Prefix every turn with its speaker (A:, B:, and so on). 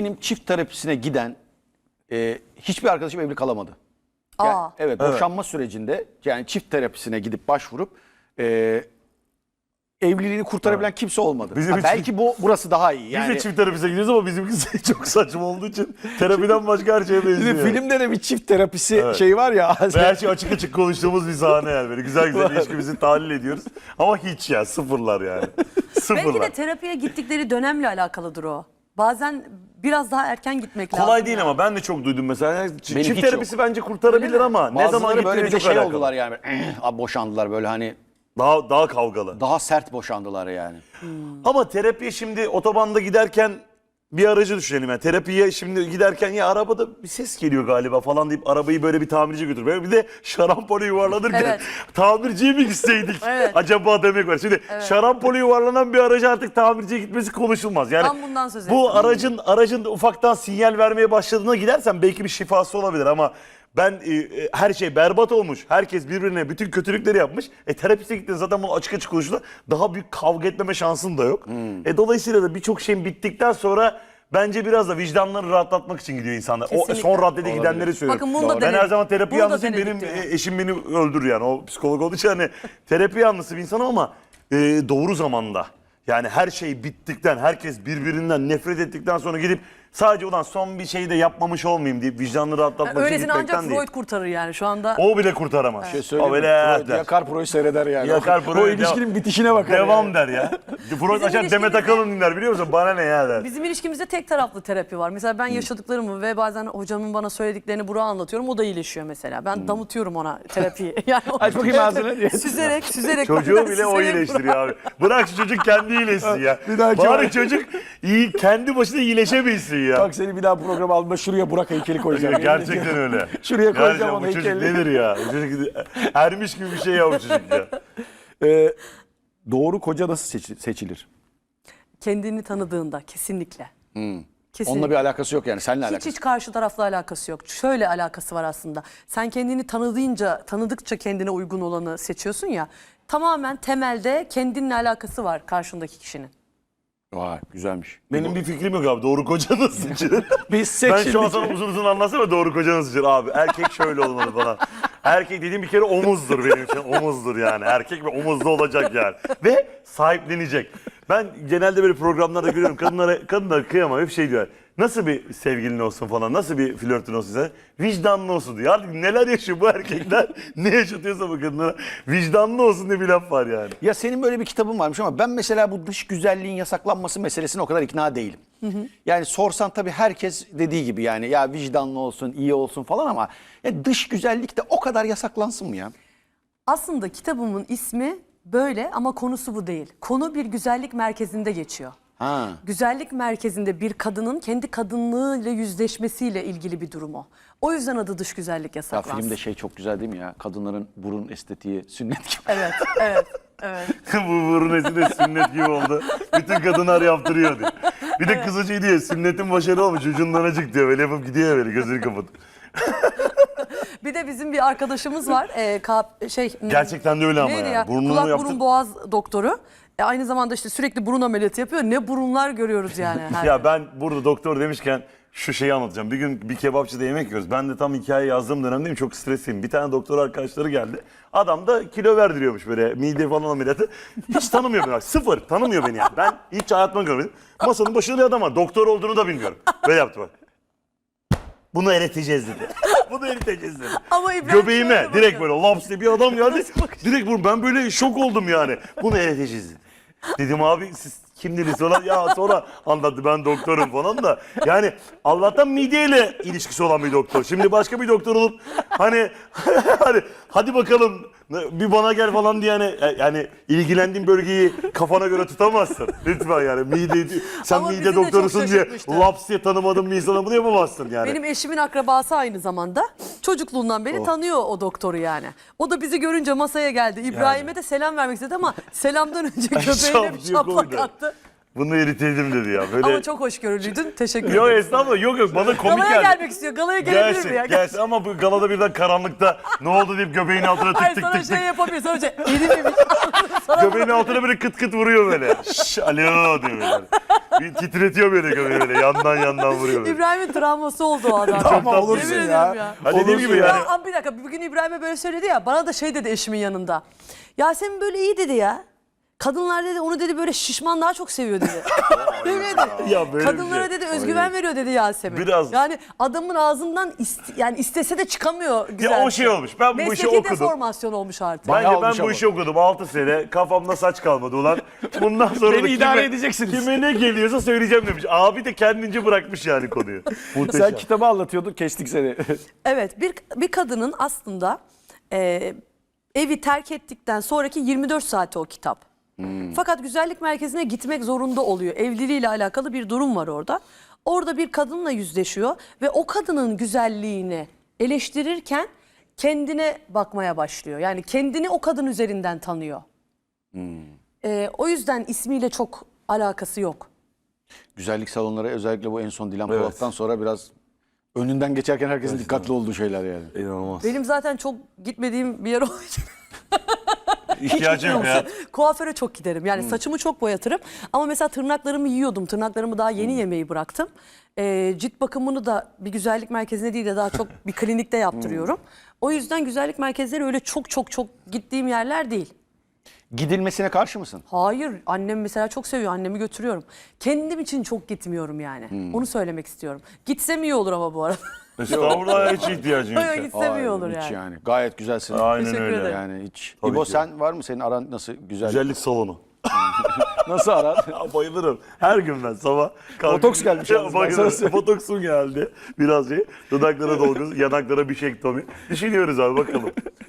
A: benim çift terapisine giden hiçbir arkadaşım evli kalamadı. Yani, evet, boşanma sürecinde yani çift terapisine gidip başvurup evliliğini kurtarabilen kimse olmadı. Belki burası daha iyi. Yani,
B: biz de çift terapise gidiyoruz ama bizimkisi çok saçma olduğu için terapiden başka her şeye benziyor.
A: Filmde de bir çift terapisi şey var ya.
B: Ve her şey açık açık konuştuğumuz bir sahne yani. Böyle güzel güzel ilişkimizi tahlil ediyoruz. Ama hiç ya, sıfırlar yani. Sıfırlar.
C: Belki de terapiye gittikleri dönemle alakalıdır o. Bazen biraz daha erken gitmek lazım.
B: Kolay değil
C: ya.
B: ama ben de çok duydum mesela. Çift
A: hiç
B: terapisi bence kurtarabilir ama ne zaman
A: bazıları böyle
B: gittiğine
A: bir de
B: çok
A: şey
B: alakalı.
A: oldular yani. Boşandılar böyle hani.
B: Daha kavgalı.
A: Daha sert boşandılar yani.
B: Ama terapiye şimdi otobanda giderken bir aracı düşünelim yani. Terapiye şimdi giderken ya arabada bir ses geliyor galiba falan deyip arabayı böyle bir tamirciye götür. Böyle bir de şarampole yuvarlanırken
C: Evet.
B: tamirciye mi gitseydik
C: Evet.
B: acaba demek var. Şimdi şarampole yuvarlanan bir aracı artık tamirciye gitmesi konuşulmaz. Yani
C: Tam bundan söz
B: bu
C: ettim.
B: aracın ufaktan sinyal vermeye başladığına gidersen belki bir şifası olabilir ama ben her şey berbat olmuş. Herkes birbirine bütün kötülükleri yapmış. Terapiste gittiğinde zaten bunu açık açık konuştular. Daha büyük kavga etmeme şansın da yok. Dolayısıyla da birçok şeyin bittikten sonra bence biraz da vicdanlarını rahatlatmak için gidiyor insanlar.
C: Kesinlikle.
B: O son raddede gidenleri söylüyorum.
C: Bakın bunu da
B: Ben
C: denedik.
B: her zaman terapi
C: Bunu da
B: yanlısıyım.
C: denedik
B: Benim
C: diyor.
B: eşim beni öldürür yani. O psikolog olduğu için hani terapi yanlısı bir insanım ama doğru zamanda. Yani her şey bittikten, herkes birbirinden nefret ettikten sonra gidip sadece ulan son bir şey de yapmamış olmayayım deyip vicdanını rahatlatmak için
C: Öylesine ancak
B: gitmekten değil.
C: Freud kurtarır yani şu anda.
B: O bile kurtaramaz.
A: Söyleyeyim
B: O
A: mi?
B: bile
A: Freud yakar Pro'yu seyreder yani.
B: Yakar
A: o
B: Pro'yu
A: ilişkinin bitişine bakar.
B: devam
A: yani.
B: der ya. Freud açar Demet
C: ilişkimizde-
B: Akalın dinler biliyor musun? Bana ne ya der.
C: Bizim ilişkimizde tek taraflı terapi var. Mesela ben yaşadıklarımı ve bazen hocamın bana söylediklerini Burak'a anlatıyorum. O da iyileşiyor mesela. Ben damıtıyorum ona terapiyi. Yani
A: Aç bakayım ağzını.
C: süzerek.
B: Çocuğu
C: bazen
B: bile o
C: süzerek
B: iyileştiriyor abi. Bırak şu çocuk kendi iyileşsin ya.
A: Bir dahaki
B: Bari
A: var.
B: çocuk iyi, kendi başına iyileşebilsin ya.
A: Bak seni bir daha programa alma, şuraya Burak heykeli koyacağım.
B: Gerçekten öyle.
A: Şuraya koyacağım
B: Gerçekten
A: onun
B: bu çocuk
A: heykelini.
B: nedir ya? Bu çocuk ermiş gibi bir şey ya bu çocuk ya.
A: Doğru koca nasıl seçilir?
C: Kendini tanıdığında kesinlikle. Kesinlikle.
A: Onunla bir alakası yok yani. Seninle alakası.
C: Hiç karşı tarafla alakası yok. Şöyle alakası var aslında. Sen kendini tanıdıkça kendine uygun olanı seçiyorsun ya. Tamamen temelde kendinle alakası var karşındaki kişinin.
A: Vay güzelmiş.
B: Benim bir fikrim yok abi. Doğru koca nasıl seçilir?
A: Biz
B: Ben şu an sana uzun anlatsana doğru koca nasıl seçilir abi. Erkek şöyle olmalı falan. Erkek dediğim bir kere omuzdur benim için. Omuzdur yani. Erkek ve omuzlu olacak yani. Ve sahiplenecek. Ben genelde böyle programlarda görüyorum. Kadınlara kıyamam. Hep şey diyor. Nasıl bir sevgilin olsun falan. Nasıl bir flörtün olsun sen? Vicdanlı olsun diyor. Artık neler yaşıyor bu erkekler? Ne yaşatıyorsa bu kadınlara. Vicdanlı olsun diye bir laf var yani.
A: Ya senin böyle bir kitabın varmış ama ben mesela bu dış güzelliğin yasaklanması meselesine o kadar ikna değilim. Yani sorsan tabii herkes dediği gibi yani ya vicdanlı olsun, iyi olsun falan ama ya dış güzellik de o kadar yasaklansın mı ya?
C: Aslında kitabımın ismi böyle ama konusu bu değil. Konu bir güzellik merkezinde geçiyor.
A: Ha.
C: Güzellik merkezinde bir kadının kendi kadınlığıyla yüzleşmesiyle ilgili bir durum o. O yüzden adı dış güzellik
A: Ya
C: yasaklansın.
A: filmde şey çok güzel değil mi ya? Kadınların burun estetiği sünnet gibi.
C: Evet.
B: Bu burun esi de sünnet gibi oldu. Bütün kadınlar yaptırıyor diyor. Bir de kızı şey diyor, sünnetin başarılı olmuş, ucundan acık diyor. Böyle yapıp gidiyor böyle gözünü kapatıp.
C: Bir de bizim bir arkadaşımız var.
B: Gerçekten de öyle ama
C: neydi
B: yani.
C: ya?
B: Burnunu
C: Kulak
B: yaptır-
C: burun boğaz doktoru. Aynı zamanda işte sürekli burun ameliyatı yapıyor. Ne burunlar görüyoruz yani.
B: Ya ben burada doktor demişken şu şeyi anlatacağım. Bir gün bir kebapçıda yemek yiyoruz. Ben de tam hikaye yazdığım dönemdeyim. Çok stresliyim. Bir tane doktor arkadaşları geldi. Adam da kilo verdiriyormuş böyle mide falan ameliyatı. Hiç tanımıyor beni. Sıfır. Tanımıyor beni yani. Ben hiç hayatımda görmedim. Masanın başında bir adam var. Doktor olduğunu da bilmiyorum. Böyle yaptı bak. Bunu eriteceğiz dedi. Bunu eriteceğiz dedi.
C: Ama İbrahim
B: Göbeğime
C: şöyle
B: direkt
C: bakıyor.
B: böyle laps diye bir adam geldi. Direkt bunu ben böyle şok oldum yani. Bunu eriteceğiz dedi. Dedim abi siz kimdiniz falan ya sonra anlattı ben doktorum falan da. Yani Allah'tan mideyle ilişkisi olan bir doktor. Şimdi başka bir doktor olup hani hadi bakalım bir bana gel falan diye yani ilgilendiğin bölgeyi kafana göre tutamazsın. Lütfen yani sen
C: Ama bizi
B: mide
C: de
B: doktorusun
C: çok
B: diye
C: şaşırtmıştı.
B: laps diye tanımadığın bir insana bunu yapamazsın yani.
C: Benim eşimin akrabası aynı zamanda. Çocukluğundan beri tanıyor o doktoru yani. O da bizi görünce masaya geldi. İbrahim'e de selam vermek istedi ama selamdan önce göbeğine bir
B: Şap diye
C: şaplak
B: koydu.
C: attı.
B: Bunu eriteydim dedi ya. Böyle...
C: Ama çok hoşgörülüydün. Teşekkür
B: Yok
C: ederim.
B: estağfurullah, yok bana komik
C: Galaya
B: geldi.
C: gelmek istiyor. Galaya gelebilir mi ya?
B: Gelsin ama bu galada birden karanlıkta ne oldu deyip göbeğin altına tık
C: Hayır
B: tık
C: sana
B: tık tık.
C: şey yapamıyor. Sana şey erimemiş.
B: Göbeğin altına böyle kıt kıt vuruyor böyle. Şşş alo diyor böyle. Bir titretiyor böyle göbeği böyle yandan vuruyor böyle.
C: İbrahim'in travması oldu o adam.
A: Ama
C: Yemin
A: olursun
C: ediyorum
A: ya.
B: Ha, dediğim gibi yani.
C: Ya, bir dakika bugün İbrahim'e böyle söyledi ya. Bana da şey dedi eşimin yanında. Yasemin böyle iyi dedi ya. Kadınlar dedi onu dedi böyle şişman daha çok seviyor dedi. Böyle dedi.
B: Ya böyle bir
C: Kadınlara
B: şey.
C: dedi özgüven veriyor dedi Yasemin.
B: Biraz-
C: Yani adamın ağzından yani istese de çıkamıyor güzel.
B: Ya o şey olmuş. Ben bu işi
C: Mesleki
B: okudum.
C: deformasyon olmuş artık.
A: Bayağı
B: Bence ben
A: olmuş
B: bu
A: ama.
B: işi okudum 6 sene. Kafamda saç kalmadı ulan. Bundan sonra
A: Beni
B: da
A: idare edeceksiniz.
B: Kime ne geliyorsa söyleyeceğim demiş. Abi de kendince bırakmış yani konuyu. Muhteşem.
A: Sen kitabı anlatıyordun, kestik seni.
C: Evet bir kadının aslında evi terk ettikten sonraki 24 saati o kitap. Fakat güzellik merkezine gitmek zorunda oluyor. Evliliğiyle alakalı bir durum var orada. Orada bir kadınla yüzleşiyor ve o kadının güzelliğini eleştirirken kendine bakmaya başlıyor. Yani kendini o kadın üzerinden tanıyor. O yüzden ismiyle çok alakası yok.
A: Güzellik salonları özellikle bu en son Dilan
B: Evet.
A: Polat'tan sonra biraz önünden geçerken herkesin dikkatli olduğu şeyler yani.
B: İnanılmaz.
C: Benim zaten çok gitmediğim bir yer olduğu için
B: İhtiyacım yok ya.
C: kuaföre çok giderim. Yani saçımı çok boyatırım. Ama mesela tırnaklarımı yiyordum. Tırnaklarımı daha yeni yemeyi bıraktım. Cilt bakımını da bir güzellik merkezine değil de daha çok bir klinikte yaptırıyorum. O yüzden güzellik merkezleri öyle çok gittiğim yerler değil.
A: Gidilmesine karşı mısın?
C: Hayır, annem mesela çok seviyor. Annemi götürüyorum. Kendim için çok gitmiyorum yani. Onu söylemek istiyorum. Gitsem iyi olur ama bu arada.
B: Estağfurullah hiç ihtiyacım yok.
C: Yok, gitsem iyi
A: Hayır,
C: olur
A: hiç
C: yani.
A: Gayet güzelsin.
B: Aynen
C: Teşekkür
B: öyle.
C: ederim.
A: Yani hiç.
B: Tabii
A: İbo
B: ki.
A: sen var mı? Senin aran nasıl?
B: Güzellik salonu.
A: Nasıl aran?
B: Ya bayılırım. Her gün ben sabah kalkıp...
A: Botoks gelmiş
B: Ya
A: yalnız, ben sana
B: bayılırım.
A: söyleyeyim.
B: Botoksum geldi. Biraz şey. Dudaklara dolgu, yanaklara bir şey ektomi. Düşünüyoruz abi bakalım.